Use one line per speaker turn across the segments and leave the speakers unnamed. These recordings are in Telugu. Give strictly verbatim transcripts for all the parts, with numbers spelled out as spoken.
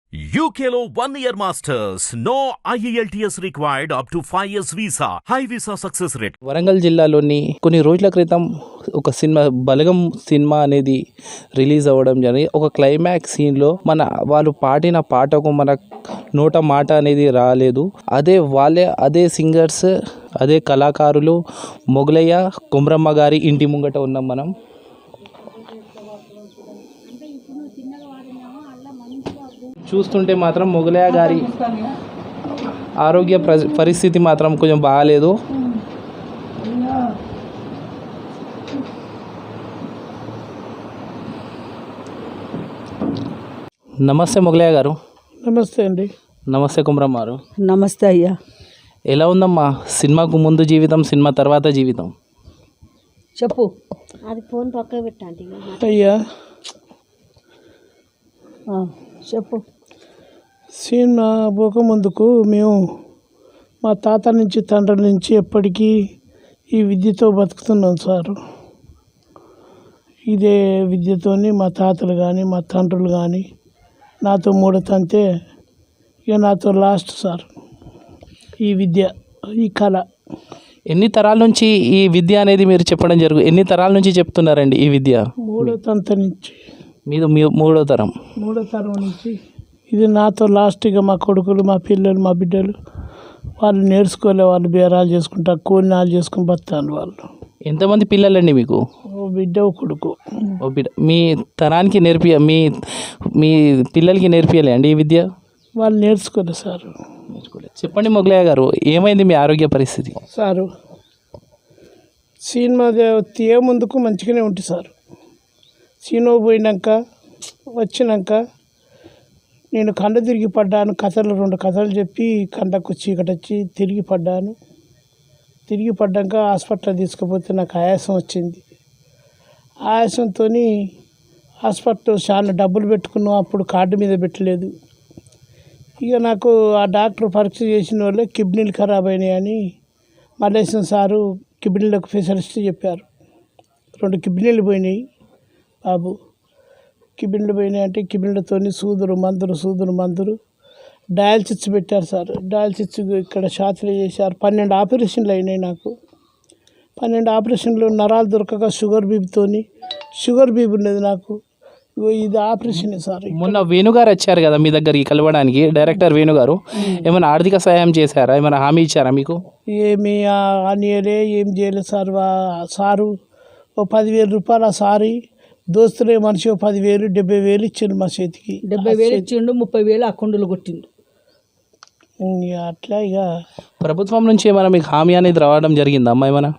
U K లో one year masters. No I E L T S required up to five years visa. High visa success rate.
Warangal జిల్లాలోని కొన్ని రోజుల క్రితం ఒక సినిమా బలగం సినిమా అనేది రిలీజ్ అవ్వడం జరిగింది. ఒక క్లైమాక్స్ సీన్లో మన వాళ్ళు పాడిన పాటకు మన నోట మాట అనేది రాలేదు. అదే వాళ్ళే అదే సింగర్స్ అదే కళాకారులు మొగలయ్య కొమరమ్మ గారి ఇంటి ముంగట ఉన్నాం మనం. చూస్తుంటే మాత్రం మొగలయ్య గారి ఆరోగ్య పరిస్థితి మాత్రం కొంచెం బాగాలేదు. నమస్తే మొగలయ్య గారు.
నమస్తే అండి.
నమస్తే కొమరమ్మ గారు.
నమస్తే అయ్యా.
ఎలా ఉందమ్మా సినిమాకు ముందు జీవితం, సినిమా తర్వాత జీవితం?
చెప్పు.
అది ఫోన్ పక్కన పెట్టండి
అయ్యా చెప్పు. సినిమా పోక ముందుకు మేము మా తాత నుంచి తండ్రి నుంచి ఎప్పటికీ ఈ విద్యతో బతుకుతున్నాం సారు. ఇదే విద్యతోని మా తాతలు కానీ మా తండ్రులు కానీ నాతో మూడతంతే ఇక నాతో లాస్ట్ సార్ ఈ విద్య, ఈ కళ.
ఎన్ని తరాల నుంచి ఈ విద్య అనేది మీరు చెప్పడం జరుగు ఎన్ని తరాల నుంచి చెప్తున్నారండి ఈ విద్య?
మూడో తంత నుంచి.
మీది మూడో తరం?
మూడో తరం నుంచి ఇది నాతో లాస్ట్గా మా కొడుకులు, మా పిల్లలు, మా బిడ్డలు వాళ్ళు నేర్చుకోలే, వాళ్ళు బేరాలు చేసుకుంటా కూలినాలు చేసుకుని బతాను వాళ్ళు.
ఎంతమంది పిల్లలండి మీకు?
ఓ బిడ్డ ఓ కొడుకు.
ఓ బిడ్డ. మీ తరానికి నేర్పి మీ మీ పిల్లలకి నేర్పియాలి అండి ఈ విద్య?
వాళ్ళు నేర్చుకోలే సారు.
నేర్చుకోలేదు. చెప్పండి మొగలయ్య గారు, ఏమైంది మీ ఆరోగ్య పరిస్థితి?
సారు సినిమా తీయ ముందుకు మంచిగానే ఉంటుంది సార్. సినిమా పోయినాక వచ్చినాక నేను కండ తిరిగి పడ్డాను. కథలు రెండు కథలు చెప్పి కండకు చీకటి వచ్చి తిరిగి పడ్డాను. తిరిగి పడ్డాక హాస్పిటల్ తీసుకుపోతే నాకు ఆయాసం వచ్చింది. ఆయాసంతో హాస్పిటల్ చాలా డబ్బులు పెట్టుకున్నాం, అప్పుడు కార్డు మీద పెట్టలేదు. ఇక నాకు ఆ డాక్టర్ పరీక్ష చేసిన వాళ్ళే కిడ్నీలు ఖరాబ్ అయినాయని మల్లేశం సారు కిడ్నీలకు స్పెషలిస్ట్ చెప్పారు. రెండు కిడ్నీలు పోయినాయి బాబు. కిడ్నీలు పోయినాయి అంటే కిడ్నీలతో సూదులు మందులు సూదులు మందులు డయాలసిస్ పెట్టారు సార్. డయాలసిస్ ఇక్కడ షాతులు చేశారు. పన్నెండు ఆపరేషన్లు అయినాయి నాకు. పన్నెండు ఆపరేషన్లు నరాలు దొరకక షుగర్ బీబీతోని షుగర్ బీబీ ఉన్నది నాకు. ఇది ఆపరేషన్ సార్.
మొన్న వేణుగారు వచ్చారు కదా మీ దగ్గరికి కలవడానికి, డైరెక్టర్ వేణుగారు. ఏమైనా ఆర్థిక సహాయం చేశారా? ఏమైనా హామీ ఇచ్చారా మీకు?
ఏమి అనియలే ఏం చేయలేదు సార్. సారు ఓ పదివేల రూపాయలు ఆ సారి దోస్తులే మనిషి ఓ పదివేలు డెబ్బై వేలు ఇచ్చిండు మా చేతికి.
డెబ్బై వేలు ఇచ్చిండు, ముప్పై వేలు అకౌంట్లో కొట్టిండు.
అట్లా ఇక
ప్రభుత్వం నుంచి ఏమైనా మీకు హామీ అనేది రావడం జరిగిందా అమ్మా? ఏమైనా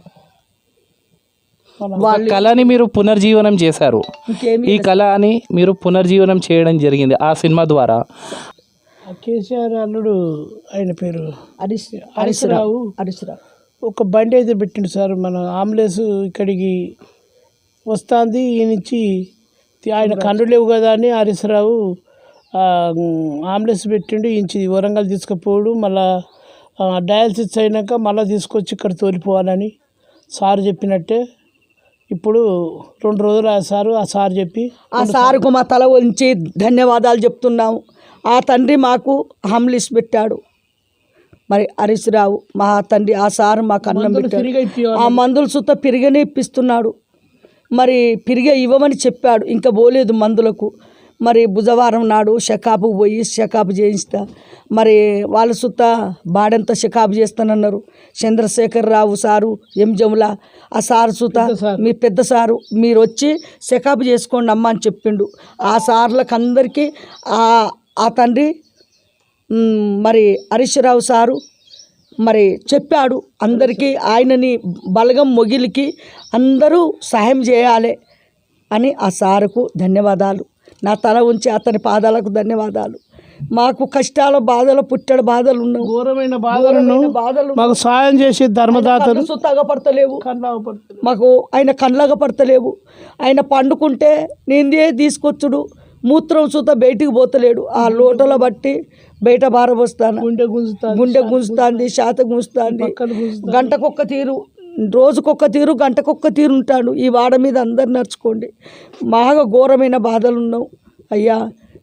కళని మీరు పునర్జీవనం చేశారు. ఈ కళని మీరు పునర్జీవనం చేయడం జరిగింది ఆ సినిమా ద్వారా.
కేసీఆర్ అల్లుడు ఆయన పేరు
హరీష్
హరీష్ రావు
హరీష్ రావు
ఒక బండి అయితే పెట్టిండు సార్. మన అంబులెన్స్ ఇక్కడికి వస్తుంది. ఈ నుంచి ఆయన కన్ను లేవు కదా అని హరీష్ రావు అంబులెన్స్ పెట్టిండు. ఇంచి వరంగల్ తీసుకుపోడు, మళ్ళా డయాలసిస్ అయినాక మళ్ళీ తీసుకొచ్చి ఇక్కడ తోలిపోవాలని సార్ చెప్పినట్టే. ఇప్పుడు రెండు రోజులు ఆ సారు ఆ సార్ చెప్పి
ఆ సారుకు మా తల వంచి ధన్యవాదాలు చెప్తున్నాము. ఆ తండ్రి మాకు హంలిస్ పెట్టాడు. మరి హరీష్ రావు మా తండ్రి, ఆ సారు మాకు అన్నం పెట్టాడు. ఆ మందులు సుత పిరిగనే ఇప్పిస్తున్నాడు. మరి పిరిగే ఇవ్వమని చెప్పాడు. ఇంకా పోలేదు మందులకు. మరి బుధవారం నాడు షకాపు పోయి షకాపు చేయిస్తా. మరి వాళ్ళ సుత బాడంతా షకాపు చేస్తానన్నారు. చంద్రశేఖర్ రావు సారు, ఎం జముల ఆ సారు సుత మీ పెద్ద సారు మీరు వచ్చి షకాపు చేసుకోండి అమ్మ అని చెప్పిండు. ఆ సార్లకు అందరికీ ఆ తండ్రి మరి హరీష్ రావు సారు మరి చెప్పాడు అందరికీ, ఆయనని బలగం మొగిలికి అందరూ సహాయం చేయాలి అని ఆ సారుకు ధన్యవాదాలు. నా తల ఉంచి అతని పాదాలకు ధన్యవాదాలు. మాకు కష్టాల బాధలు పుట్టడ బాధలు ఉన్నావు,
ఘోరమైన బాధలను
బాధలు
మాకు సాయం చేసి ధర్మదాతలు
తగపడతలేవు. మాకు ఆయన కళ్ళగా పడతలేవు. ఆయన పండుకుంటే నేనే తీసుకొచ్చుడు, మూత్రం సుత బయటికి పోతలేడు. ఆ లోటలో బట్టి బయట బారబోస్తాను.
గుండె గుంజుతా
గుండె గుంజుతుంది, శాత గుంజుతుంది. గంటకొక్క తీరు, రోజుకొక్క తీరు, గంటకొక్క తీరు ఉంటాడు. ఈ వాడ మీద అందరు నడుచుకోండి. బాగా ఘోరమైన బాధలు ఉన్నావు అయ్యా.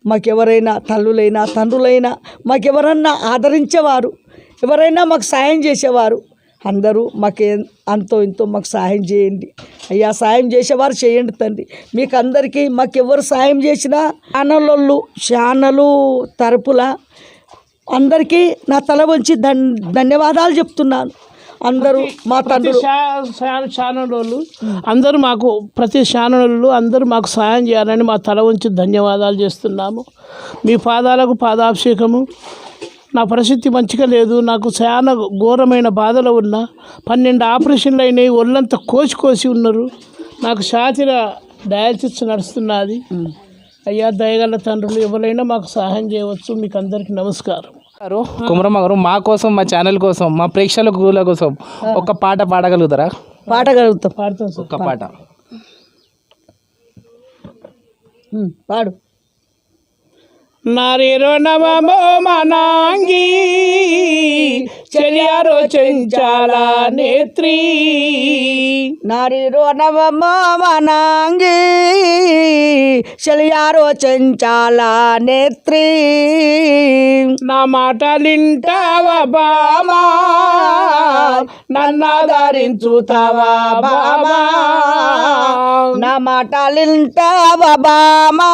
మాకెవరైనా తల్లులైనా తండ్రులైనా మాకెవరన్నా ఆదరించేవారు, ఎవరైనా మాకు సాయం చేసేవారు అందరూ మాకే అంతో ఇంతో మాకు సాయం చేయండి అయ్యా. సాయం చేసేవారు చేయండి తండ్రి. మీకు అందరికీ మాకెవరు సాయం చేసినా ఛానళ్ళు ఛానలు తరపుల అందరికీ నా తల వంచి ధన్ ధన్యవాదాలు చెప్తున్నాను. అందరూ మా తండ్రులు
ఛానల్ వాళ్ళు అందరూ మాకు ప్రతి ఛానల్ అందరూ మాకు సాయం చేయాలని మా తల ఉంచి ధన్యవాదాలు చేస్తున్నాము. మీ పాదాలకు పాదాభిషేకము. నా పరిస్థితి మంచిగా లేదు, నాకు చాలా ఘోరమైన బాధలు ఉన్నా, పన్నెండు ఆపరేషన్లు అయినాయి, ఒళ్ళంతా కోసి కోసి ఉన్నారు, నాకు ఛాతీల డయాలసిస్ నడుస్తున్నది. అయ్యా దయగల తండ్రులు ఎవరైనా మాకు సహాయం చేయవచ్చు. మీకు అందరికీ నమస్కారం.
గారు కుమరమ్మ గారు మా కోసం మా ఛానల్ కోసం మా ప్రేక్షకుల కోసం ఒక పాట పాడగలుగుతారా?
పాడగలుగుతాం.
పాడతాం సార్.
ఒక పాట
ఉమ్, పాడు.
నారేరో నవమో మనాంగి చెలియారో చెంచాల నేత్రి
నారీరో నవమానాంగి చెలియారో చెంచాల నేత్రి
నా మాటలింటావా బామా నన్నాదరించుతావా బామా
నా మాటలింటావా బామా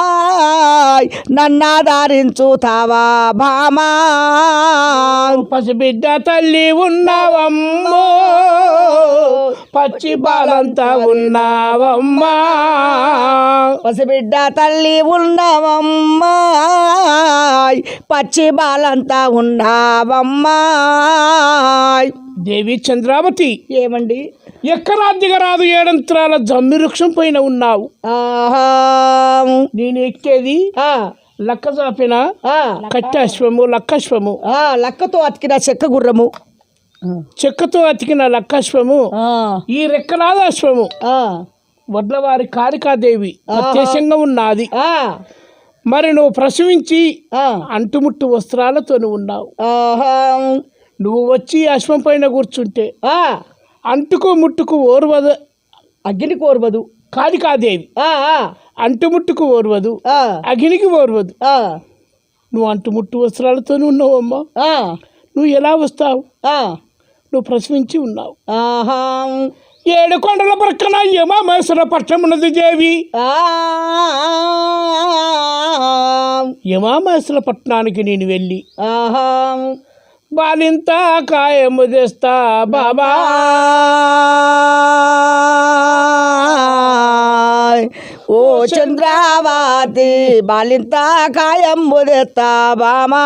నన్నాదరించుతావా బామా
పసిబిడ్డ తల్లి ఉన్నావమ్మో పచ్చి బాలంతా ఉన్నావమ్మా
పసిబిడ్డ తల్లి ఉన్నావమ్మా పచ్చి బాలంతా ఉన్నావమ్మా.
దేవి చంద్రావతి
ఏమండి
ఎక్కరా దిగరాదు ఏడంత్రాల జమ్మి వృక్షం పైన ఉన్నావు.
ఆహా
నేను ఎక్కేది
ఆ,
లక్క చాపిన
ఆ,
కట్టాశ్వము లక్కశ్వము,
ఆ, లక్కతో అతికిన చెక్క గుర్రము,
చెక్కతో అతికిన లక్కశ్వము,
ఆ,
ఈ రెక్కలాద అశ్వము
ఆ,
వడ్లవారి కాళికాదేవి ప్రత్యక్షంగా ఉన్నది.
ఆ,
మరి నువ్వు ప్రసవించి
ఆ,
అంటుముట్టు వస్త్రాలతో ఉన్నావు.
ఆహా,
నువ్వు వచ్చి అశ్వం పైన కూర్చుంటే
ఆ,
అంటుకు ముట్టుకు ఓర్వదు
అగ్ని కోర్వదు,
కాళికాదేవి,
ఆ, ఆ,
అంటుముట్టుకు ఓర్వదు,
ఆ,
అగ్నికి ఓర్వదు.
ఆ,
నువ్వు అంటుముట్టు వస్త్రాలతో ఉన్నావమ్మా.
ఆ,
నువ్వు ఎలా వస్తావు?
ఆ,
నువ్వు ప్రసవించి ఉన్నావు.
ఆహా,
ఏడు కొండల ప్రక్కన యమామేశ్వర పట్టణమున్నది దేవి.
ఆ,
యమామేశ్వర పట్టణానికి నేను వెళ్ళి
ఆహా,
బాలింత కాయము తెస్తా బాబా.
ఓ చంద్రావతి బాలింత కాయం ముదెత్తా బామా.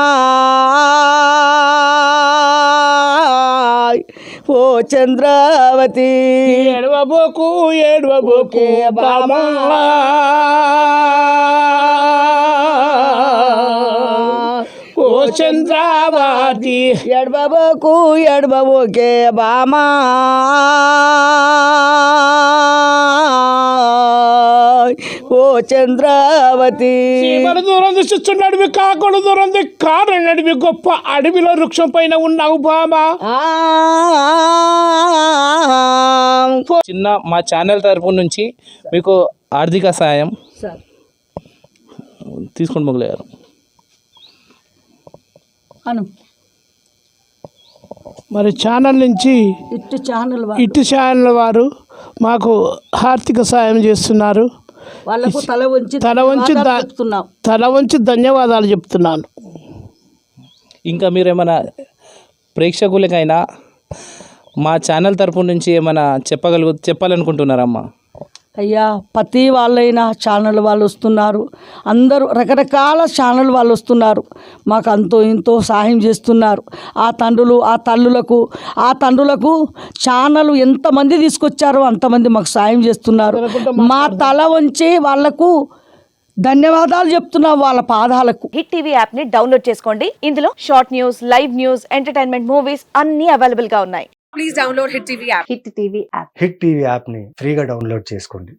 ఓ చంద్రావతి
ఏడవబోకు ఏడవబోకు బామా. ఓ చంద్రావతి
ఎడబోకు ఎడబోకే బామా. ఓ చంద్రావతి
చీమల దూరం చూస్తు నడివి కాకుడు దూరం కారు నడివి గొప్ప అడవిలో వృక్షం పైన ఉన్నావు బామా.
ఆ,
చిన్న మా ఛానల్ తరపు నుంచి మీకు ఆర్థిక సాయం
సార్
తీసుకొని మొదలయ్యారు.
అను
మరి ఛానల్ నుంచి
ఇటు ఛానల్ వా-
ఇటు ఛానల్ వారు మాకు ఆర్థిక సాయం చేస్తున్నారు.
వాళ్ళకు తల వంచి
తల వంచి ద-
ధన్యవాదాలు చెప్తున్నాం.
తల వంచి ధన్యవాదాలు చెప్తున్నాను.
ఇంకా మీరు ఏమైనా ప్రేక్షకులకైనా మా ఛానల్ తరపు నుంచి ఏమైనా చెప్పగలుగు చెప్పాలనుకుంటున్నారమ్మా?
అయ్యా ప్రతి వాళ్ళైనా ఛానల్ వాళ్ళు వస్తున్నారు, అందరూ రకరకాల ఛానల్ వాళ్ళు వస్తున్నారు, మాకు అంతో ఇంతో సహాయం చేస్తున్నారు. ఆ తండ్రులు ఆ తల్లులకు ఆ తండ్రులకు ఛానల్ ఎంతమంది తీసుకొచ్చారో అంతమంది మాకు సాయం చేస్తున్నారు. మా తల వంచి వాళ్లకు ధన్యవాదాలు చెప్తున్నాం వాళ్ళ పాదాలకు.
హిట్ టీవీ యాప్ ని డౌన్లోడ్ చేసుకోండి. ఇందులో short news, live news, entertainment movies అన్ని అవైలబుల్ గా ఉన్నాయి.
Please download hit TV app.
Hit TV app
hit TV యాప్ని ఫ్రీగా డౌన్లోడ్ చేసుకోండి.